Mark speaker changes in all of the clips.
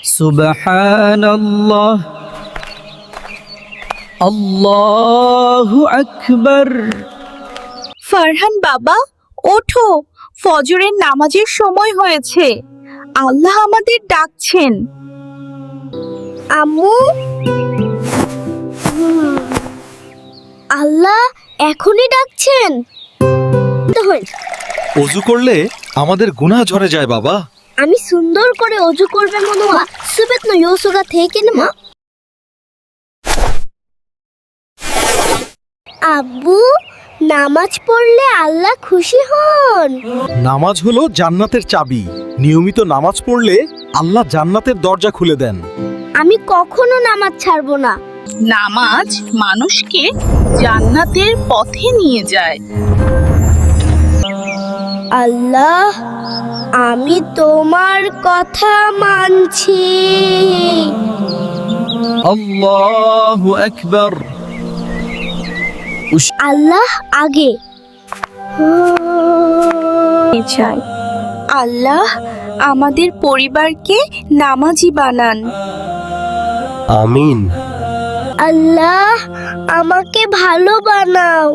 Speaker 1: সুবহানাল্লাহ, আল্লাহু আকবার।
Speaker 2: ফারহান বাবা, ওঠো, ফজরের নামাজের সময় হয়েছে। আল্লাহ আমাদের ডাকছেন।
Speaker 3: আম্মু, আল্লাহ এখনই ডাকছেন।
Speaker 4: অজু করলে আমাদের গুনাহ ঝরে যায় বাবা।
Speaker 3: আমি সুন্দর করে অজু করবে মনে হয় সুবেত ন ইউসুগা থেকে না। আব্বু, নামাজ পড়লে আল্লাহ খুশি হন।
Speaker 4: নামাজ হলো জান্নাতের চাবি। নিয়মিত নামাজ পড়লে আল্লাহ জান্নাতের দরজা খুলে দেন।
Speaker 3: আমি কখনো নামাজ ছাড়বো না।
Speaker 2: নামাজ মানুষকে জান্নাতের পথে নিয়ে যায়।
Speaker 3: আল্লাহ, আমি তোমার কথা মানছি।
Speaker 1: আল্লাহু আকবার।
Speaker 3: আল্লাহ আগে।
Speaker 2: চাই আল্লাহ আমাদের পরিবারকে নামাজি বানান।
Speaker 4: আমিন।
Speaker 3: আল্লাহ আমাকে ভালো বানাও।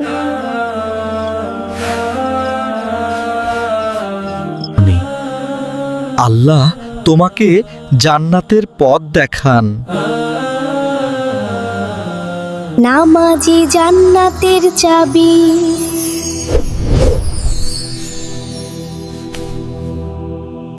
Speaker 4: আল্লাহ তোমাকে জান্নাতের পথ দেখান।
Speaker 3: নামাজি জান্নাতের চাবি।